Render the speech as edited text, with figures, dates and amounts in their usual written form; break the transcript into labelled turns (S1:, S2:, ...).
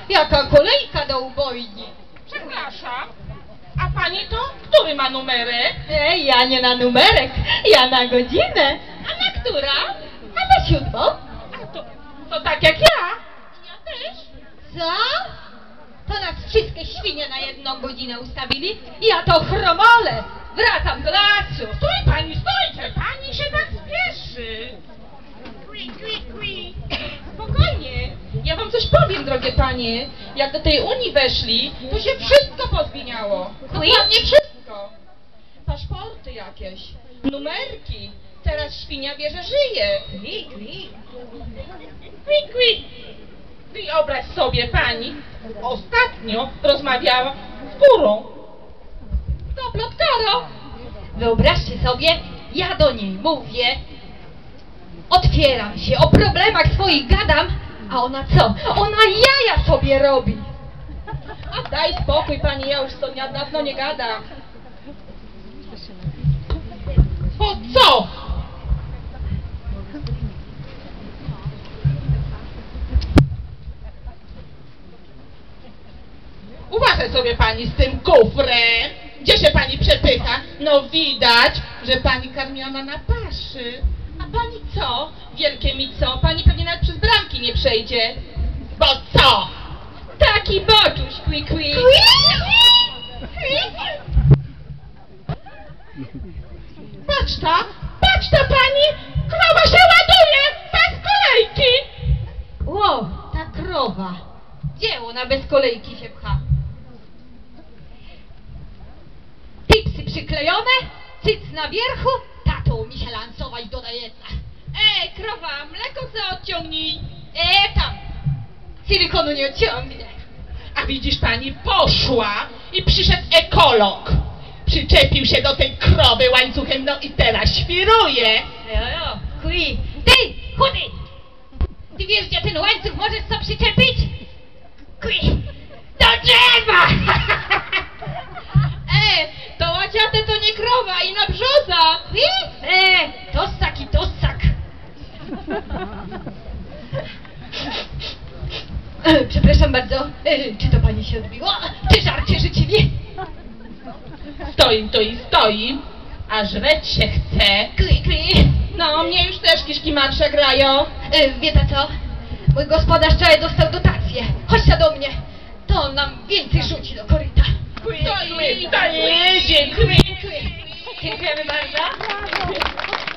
S1: jaka kolejka do ubojni.
S2: Przepraszam, a pani to który ma numerek?
S1: Ja nie na numerek, ja na godzinę.
S2: A na która?
S1: A na 7.
S2: A to tak jak ja. Ja też.
S1: Co? To nas wszystkie świnie na 1 godzinę ustawili? Ja to chromolę. Wracam do lasu.
S2: Stój pani, stójcie! Pani się tak spieszy. Spokojnie. Ja wam coś powiem, drogie panie. Jak do tej Unii weszli, to się wszystko pozmieniało. Dokładnie wszystko. Paszporty jakieś, numerki. Teraz świnia wie, że żyje. Wyobraź sobie, pani, ostatnio rozmawiała z górą.
S1: To plotkaro. Wyobraźcie sobie, ja do niej mówię, otwieram się, o problemach swoich gadam, a ona co? Ona jaja sobie robi.
S2: A daj spokój, pani, ja już to dawno nie gadam. O co? Uważaj sobie pani z tym kufrem. Gdzie się pani przepycha? No widać, że pani karmiona na paszy. A pani co? Wielkie mi co? Pani pewnie nawet przez bramki nie przejdzie. Bo co? Taki boczuś, kwi. Patrz ta pani! Krowa się ładuje! Bez kolejki!
S1: Ło, ta krowa. Gdzie ona bez kolejki się pcha? Tipsy przyklejone, cyc na wierchu, tato mi się lansować do jedna.
S2: Krowa, mleko co odciągnij!
S1: Tam, silikonu nie odciągnie.
S2: A widzisz pani, poszła i przyszedł ekolog. Przyczepił się do tej krowy łańcuchem, no i teraz świruje.
S1: Kwi, ty, chudy! Ty wiesz, gdzie ten łańcuch możesz co przyczepić? Kwi, do drzewa!
S2: To łaciate to nie krowa i na brzoza.
S1: Kwi? Tossak i tossak. Przepraszam bardzo, czy to pani się odbiło? Czy żarcie życzliwie?
S2: Stoi to i stoi, a żreć się chce.
S1: Kwi.
S2: No, mnie już też kiszki marsze grają.
S1: Wie ta co? Mój gospodarz wczoraj dostał dotację. Chodźcie do mnie. To on nam więcej rzuci do koryta.
S2: To jedzie,
S1: Dziękujemy bardzo.